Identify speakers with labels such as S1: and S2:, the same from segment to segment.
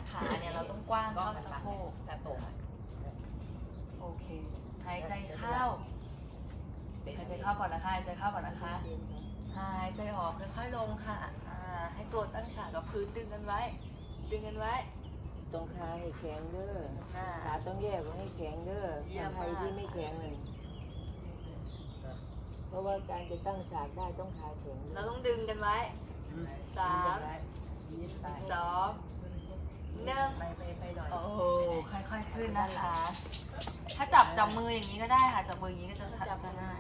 S1: ขาเนี่ยเราต้องกว้างเท่าสะโพก
S2: ถ้าตรง
S1: โอเค หายใจเข้า หายใจเข้าก่อนนะคะ หายใจเข้าก่อนนะคะ หายใจออกค่อยๆลงค่ะให้ตัวตั้งฉากกับพื้นดึงกันไว้ ดึงกันไว้
S3: ตรงขาให้แข็งเด้อ
S1: อ่า
S3: ขาต้องแยกไว้ให้แข็งเด้อ
S1: เยี่ยม
S3: ใคร
S1: มาก
S3: ที่ไม่แข็งเลยเพราะว่าการจะตั้งฉากได้ต้องขาแข็ง
S1: เราต้องดึงกันไว้ 3 2 1
S2: ไปหน่อย
S1: โอ้โหค่อยๆขึ้นนะคะ ถ้าจับมืออย่างนี้ก็ได้ค่ะ จับมืออย่างนี้ก็จะชัดจะง่าย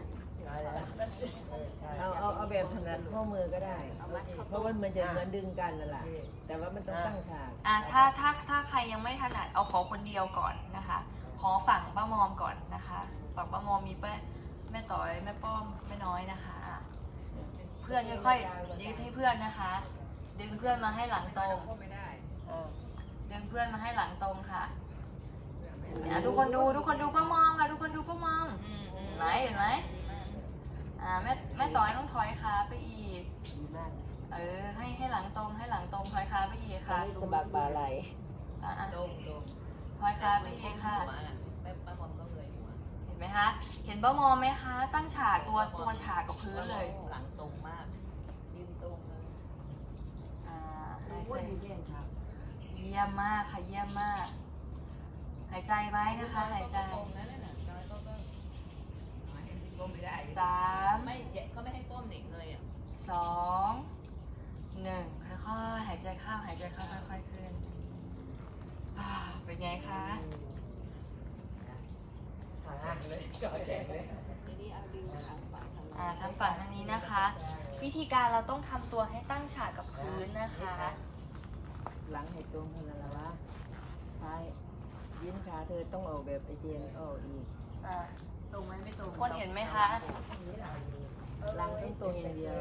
S3: เอาแบบถนัดข้อมือก็ได้ เพราะว่ามันจะเหมือนดึงกันนั่นแหละแต่ว่ามันต้องตั้งฉาก
S1: ถ้าใครยังไม่ถนัดเอาขอคนเดียวก่อนนะคะ ขอฝั่งป้ามอมก่อนนะคะ ฝั่งป้ามอมมีแม่ต่อยแม่ป้อมแม่น้อยนะคะเพื่อนค่อยๆยืดให้เพื่อนนะคะ ดึงเพื่อนมาให้หลังตรง
S2: ไม่ได้
S1: ดึงเพื่อนมาให้หลังตรงค่ะทุกคนดูป้ามอมค่ะทุกคนดูป้ามอมเห็นไหมแม่ต่อยต้องถอยขาไปอีก
S3: ดีมาก
S1: ให้หลังตรงถอยขาไปอีกค่ะ
S3: สะบักบ่าไหล
S2: ตรง
S1: ถอยขาไปอีกค่ะ
S2: แม่ป้าบอมก็เลยหัว
S1: เห็นไหมคะ เห็นป้ามอมไหมคะ ตั้งฉากตัวฉากกับพื้นเลย
S2: หลังตรงมากยืนตรงเลย
S1: หายใจ
S3: เยี่ยมครับ
S1: เยี่ยมมากค่ะเยี่ยมมาก หายใจไว้นะคะหายใจ
S2: ตรงนั้นน่ะน้อยก็ก้มไม่ได้
S1: 3
S2: ไม่ก็ไม่ให้ก้มเด็กเลยอ่ะ
S1: 2 1ค่อยๆหายใจเข้าค่อยๆขึ้นเป็นไงคะ
S2: หางเลยก่อแจกเลย
S1: ทางฝั่งทางนี้นะคะ วิธีการเราต้องทำตัวให้ตั้งฉากกับพื้นนะคะ
S3: หลังให้ตรงเท่านั้นแหละวะซ้ายยืนขาเธอต้องออกแบบไอเจนออกอีก
S2: ตรงไหมไม่ตรง
S1: คนเห็นไหมคะ
S3: หลังต้องตรงอย่างเดียว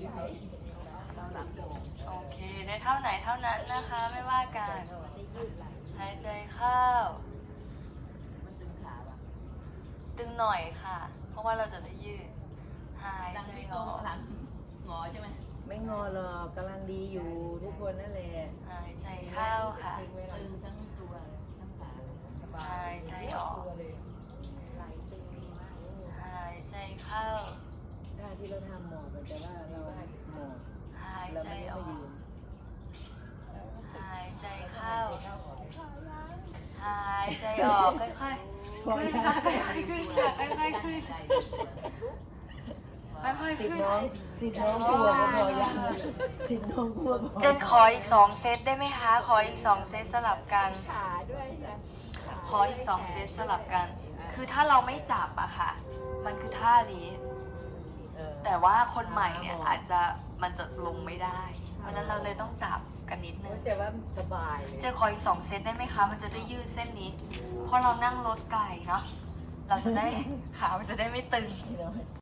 S1: โอเคได้เท่าไหนเท่านั้นนะคะไม่ว่ากันหายใจเข้า
S2: มันตึงขาป่ะ
S1: ตึงหน่อยค่ะ เพราะว่าเราจะได้ยืดหาย
S2: หลัง
S1: ใจ
S2: ไม่
S1: อ
S2: ตรง
S1: อก
S2: หลังงอใช่ไหม
S3: ไม่งอหรอกกำลังดีอยู่ทุกคนนั่นแหละ
S1: หายใจเข้าค่ะ
S2: ตึงทั้งตัวทั้งขาสบา
S1: หาย ยใจออก
S2: ไหลตึงดีมาก
S1: หายใจเข้า
S3: ท่าที่เราทำหมอบแต่ว่าเราหมอบ
S1: หาย
S3: เรา
S1: ใจ
S3: ไม่
S1: อ
S3: ได้
S1: อก
S3: ยืน
S1: หายใจเข้า หายใจออกค่อยๆขึ้นค่ะค่อยๆขึ้นค่ะค่อยๆขึ้นค่อยๆ
S3: สิบ
S1: ขึ้น
S3: น้องกลัวก็พอยังสิบน้องกลัวพอ
S1: เจนขออีก2 เซตได้ไหมคะ ขออีก2 เซตสลับกัน
S3: ขาด้วยนะ
S1: ขออีก2 เซตสลับกัน คือถ้าเราไม่จับอะค่ะ มันคือท่านี้ แต่ว่าคนใหม่เนี่ยมันจะลงไม่ได้ เพราะฉะนั้นเราเลยต้องจับกันนิดนึง
S3: แต่ว่าสบายเลย
S1: เจะขออีก2 เซตได้ไหมคะ มันจะได้ยืดเส้นนี้ เพราะเรานั่งรถไกลเนาะ เราจะได้ขามันจะได้ไม่ตึง